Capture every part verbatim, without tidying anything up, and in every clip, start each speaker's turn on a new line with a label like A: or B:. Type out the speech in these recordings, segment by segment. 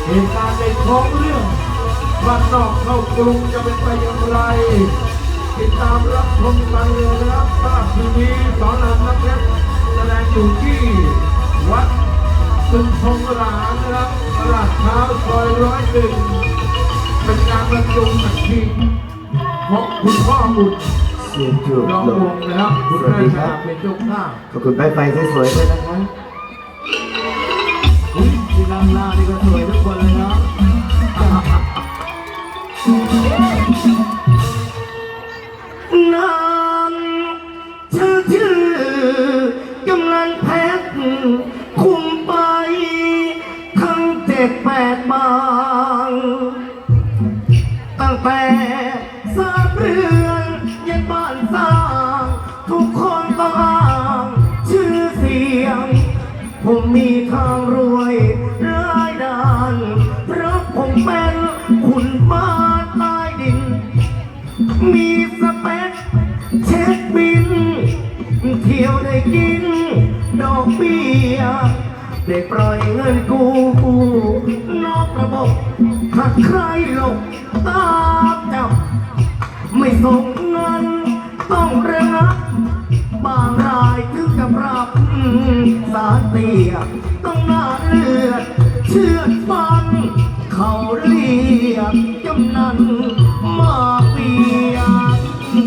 A: เหตุการณ์ในท้องเรื่องบ้านนอกเข้ากรุงจะเป็นไปอย่างไรติดตามรับชมกันเลยนะครับภาพทีวีสอนรามน้ำเพชรแสดงอยู่ที่วัดสุนทรหลานนะครับตลาดเช้าซอยร้อยหนึ่งเป็นการบรรจุสักทีของคุณพ่อบุตร
B: เสียงจูบ
A: น้องวงนะครับคุณแม่ชาเป็นเจ้าภาพ
B: ขอบคุณไฟไฟสวยๆด้วยนะครับอุ้ยที่นั่งหน้านี่ก็สวยทุกคนเลยเนาะนางชื่อชื่อกำลังแพ็คคุมไปทั้งเจ็ดแปดบางตั้งแต่สร้างเรือนยันบ้านสร้างทุกคนต้องอ้างชื่อเสียงผมมีทางรวยรายด้านเพราะผมเป็นขุนบ้านใต้ดินมีสเปคเช็คบินเที่ยวได้กินดอกเบี้ยได้ปล่อยเงินกู้นอกระบบหากใครหลบตามจับไม่ส่งเงินต้องระงับบางรายถึงกับรับสารเตี้ยต้องหน้าเลือดเชือดฟันเขาเรียกกำนันมาเปียก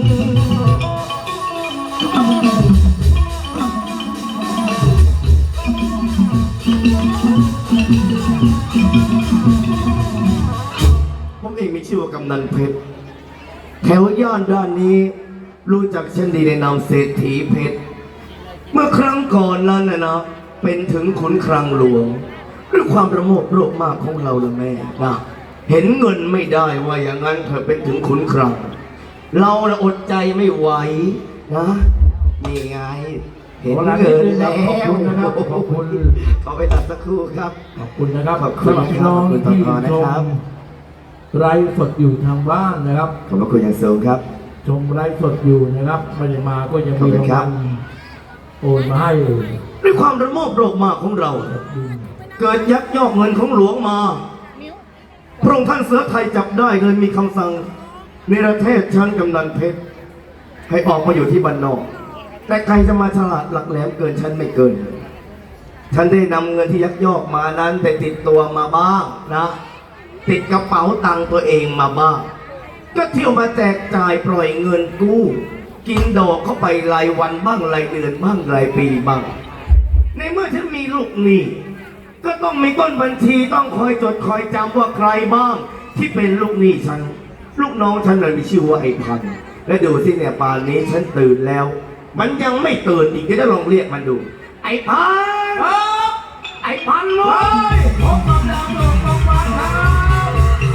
B: ผมเองมีชื่อว่ากำนันเพชรแถวย่านด้านนี้รู้จักเช่นดีในนามเศรษฐีเพชรเมื่อครั้งก่อนนั้นนะนะเป็นถึงขุนคลังหลวงด้วยความประโมทโลภมากของเราละแม่นะเห็นเงินไม่ได้ว่าอย่างนั้นเธอเป็นถึงขุนคลังเราอดใจไม่ไหวนะนี่ไงเห็นเงินแล้วขอบคุณนะครับขอบคุณขอไปตัดสักครู่ครับ
A: ขอบคุณนะครับ
B: ขอบคุณพี่น้องที่ชม
A: ไลฟ์สดอยู่ทางบ้านนะครับ
B: ขอบคุณอย่างสูงครับ
A: ชมไลฟ์สดอยู่นะครับไม่ได้มาก็ยังมีรางวัลโอนมาให้
B: ด้วยความระโมบโลภมากของเราเกิดยักยอกเงินของหลวงมาพระองค์ท่านเสือไทยจับได้เลยมีคำสั่งในประเทศชั้นกำนันเพชรให้ออกมาอยู่ที่บ้านนอกแต่ใครจะมาฉลาดหลักแหลมเกินฉันไม่เกินฉันได้นำเงินที่ยักยอกมานั้นไปติดตัวมาบ้างนะติดกระเป๋าตังค์ตัวเองมาบ้างก็เที่ยวมาแจกจ่ายปล่อยเงินกู้กินดอกเข้าไปรายวันบ้างรายเดือนบ้างรายปีบ้างในเมื่อฉันมีลูกหนี้ก็ต้องมีต้นบัญชีต้องคอยจดคอยจำว่าใครบ้างที่เป็นลูกหนี้ฉันลูกน้องฉันเลยมีชื่อว่าไอ้พันและดูสิเนี่ยป่านนี้ฉันตื่นแล้วมันยังไม่ตื่นอีกจะได้ลองเรียกมันดูไอ้พันไอ้พันเลยผมกำลังลงลงมาครับ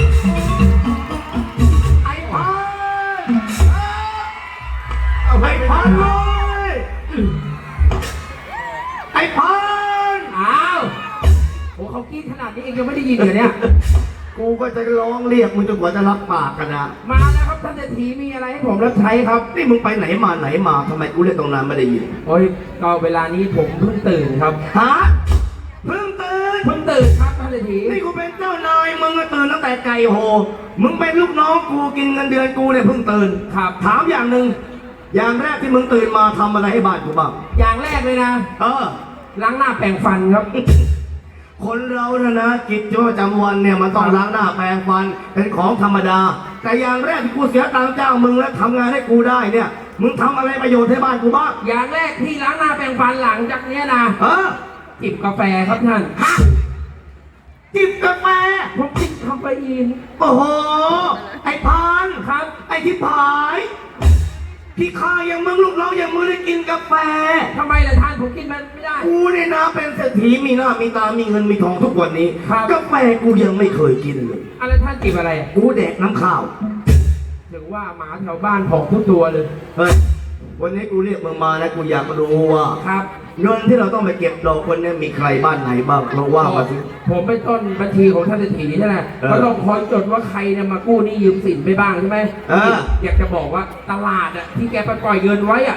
B: ไอ้พันไอ้พันเลยไอ้พัน
C: อ้าวโอ้เขากินขนาดนี้เองยังไม่ได้ยินเหรอเนี่ย
B: กูก็จะร้องเรียกมึงจนกว่าจะรับปากกันนะ
C: มาแล้วครับท่านเศรษฐีมีอะไรให้ผมรับใช้ครับ
B: นี่มึงไปไหนมาไหนมาทำไมกูเรียกตรงนั้นไม่ได้ยิน
C: โอ้ยก็เวลานี้ผมเพิ่งตื่นครับ
B: ฮะเพิ่งตื่น
C: เพิ่งตื่นครับท่านเศรษฐี
B: นี่กูเป็นเจ้านายมึงก็ตื่นตั้งแต่ไก่โหมึงเป็นลูกน้องกูกินเงินเดือนกูเนี่ยเพิ่งตื่น
C: ครับ
B: ถามอย่างหนึ่งอย่างแรกที่มึงตื่นมาทำอะไรให้บ้านกูบ้าง
C: อย่างแรกเลยนะ
B: เออ
C: ล้างหน้าแปรงฟันครับ
B: คนเรานะนะกิจประจำวันเนี่ยมันต้องล้างหน้าแปรงฟันเป็นของธรรมดาแต่อย่างแรกที่กูเสียตังค์จ้างมึงแล้วทำงานให้กูได้เนี่ยมึงทำอะไรประโยชน์ให้บ้านกูบ้าง
C: อย่างแรกที่ล้างหน้าแปรงฟันหลังจากเนี้ยนะ
B: เออ
C: จิบกาแฟครับท่าน
B: ฮะจิบกาแฟ
C: ผมกินคาเฟอีน
B: โอ้โหไอ้พาน
C: ครับ
B: ไอ้ที่ผายพี่ข้าอย่างมึงลูกน้องอย่างมึงได้กินกาแฟ
C: ทำไมล่ะท่านผมกินมันไม่ได้
B: กูเนี่ยนะเป็นเศรษฐีมีหน้ามีตามีเงินมีทองทุกวันนี้กาแฟกูยังไม่เคยกินเลย
C: อะไรท่านจิบอะไร
B: กูแดกน้ำข้าว
C: ถึงว่าหมาแถวบ้านผองทุกตัวเลย
B: เฮ้ยวันนี้กูเรียกมึงมานะกูอยากรู้ว่า
C: ครับ
B: เงินที่เราต้องไปเก็บดอกคนนี้มีใครบ้านไหนบ้างเราว่ามาสิ
C: ผมเป็นต้นบัญชีของท่านเศรษฐีใช่ไหมเขาต้องคอยจดว่าใครเนี่ยมากู้นี่ยืมสินไปบ้างใช่ไหมอยากจะบอกว่าตลาดอ่ะที่แกไปปล่อยเงินไว้อ่ะ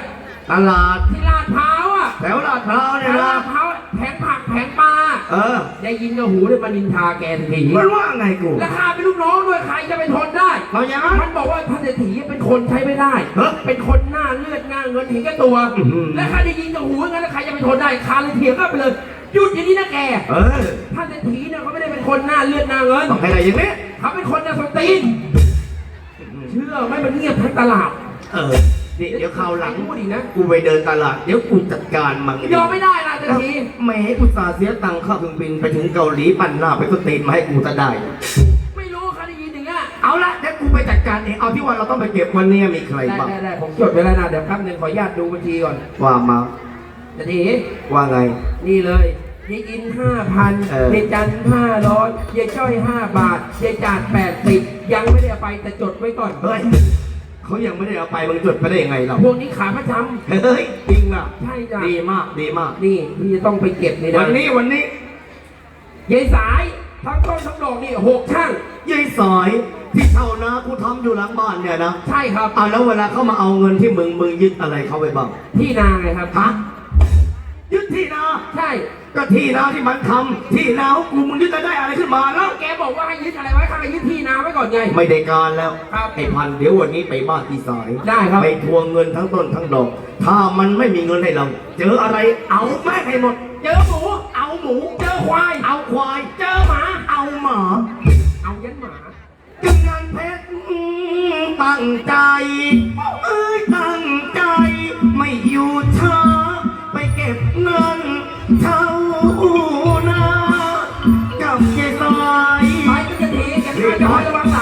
B: ตลาด
C: ที่ลาดพร้าวอ่ะ
B: แถวลาดพร้าว
C: แถ
B: เนี่ยว
C: ลา
B: นะ
C: ดพร้าวแผงผักแผงปลา
B: เออ
C: ได้ยินกับหูเลยมานินทาแกทันที
B: มันว่าไงกู
C: ราคาเป็นลูกน้องด้วยใครจะไปทนได้
B: เอาอย่างนั้น
C: มันบอกว่าท่านเศรษฐีเป็นคนใช้ไม่ได้
B: เฮ้ย
C: เป็นคนหน้าเลือดหน้าเงินเห็นแก่ตัว
B: อื้อหือ
C: และใครได้ยินกับหูงั้นแล้วใครจะไปทนได้คาเลยเถียงกันไปเลยหยุดอย่างนี้นะแก
B: เออ
C: ท่านเศรษฐีเนี่ยเขาไม่ได้เป็นคนหน้าเลือดหน้าเงิน
B: ต้องให้อะไรอย่างนี้
C: เขาเป็นคนหน้าสตีนเชื่อไหม่มันเงียบทั้งตลาด
B: เออเดี๋ยวเดี๋ยวคราวหลัง
C: พูดอีกนะ
B: กูไปเดินตลาดเดี๋ยวกูจัดการมัน
C: ยอมไม่ได้นะเศรษฐี
B: แหมอุตส่าห์เสียตังค่าเครื่องบินไปถึงเกาหลีปั่นหน้าไปก็ตีนมาให้กูจะได้
C: ไม่รู้เขาได้ยินอย่างเงี้ย
B: เอาละเดี๋ยวกูไปจัดการเองเอาที่ว่าเราต้องไปเก็บวันนี้มีใคร
C: ได้
B: บ้าง
C: ได้ได้ผมจดไว้แล้วนะเดี๋ยวแป๊บนึงขออนุญาตดูบัญชีก่อน
B: ว่ามา
C: เศรษฐี
B: ว่าไง
C: นี่เลยยายอินห้าพัน
B: เออ
C: ยายจันห้าร้อยยายจ้อยห้าบาทยายจาดแปดสิบยังไม่ได้เอาไปแต่จดไว้ก่อน
B: เฮ้ยเขายังไม่ได้เอาไปมึงจดไปได้ยังไงเรา
C: พวกนี้ขาประจ
B: เฮ้ยจริงอ่ะ
C: ำใช่จ้ะ
B: ดีมากดีมาก
C: นี่พี่จะต้องไปเก็บนี่นะ
B: วันนี้วันนี้
C: ยายสายทั้งต้นทั้งดอกนี่หกช่าง
B: ยายสายที่เช่านะกูทำอยู่หลังบ้านเนี่ยนะ
C: ใช่ครับ
B: อ่าแล้วเวลาเขามาเอาเงินที่มึงมึงยึดอะไรเขาไปบ้าง
C: ที่นาไงครับ
B: ฮะยึดที่นา
C: ใช่
B: ก็ที่นาที่มันทำที่นาของกูมึงยึดจะได้อะไรขึ้นมาแล้ว
C: แกบอกว่าให้ยึดอะไรไว้ข้าให้ยึดที่นาไว้ก่อนไง
B: ไม่ได้การแล้ว
C: ครับ
B: ไอ้พันเดี๋ยววันนี้ไปบ้านที่สาย
C: ได้ครับ
B: ไปทวงเงินทั้งต้นทั้งดอก ถ้ามันไม่มีเงินให้เรา เจออะไรเอาแม่งให้หมด
C: เจอหมู
B: เอาหมู
C: เจอควาย
B: เอาควาย
C: เจอหมา
B: เอาหมา
C: เอายันหมา
B: กำนันเพชรตั้งใจเอ้ยตั้งใจ ไม่อยู่ช้าไปเก็บเงินเช่านากับยายสาย
C: ไปก็จะทีแกจะระวังห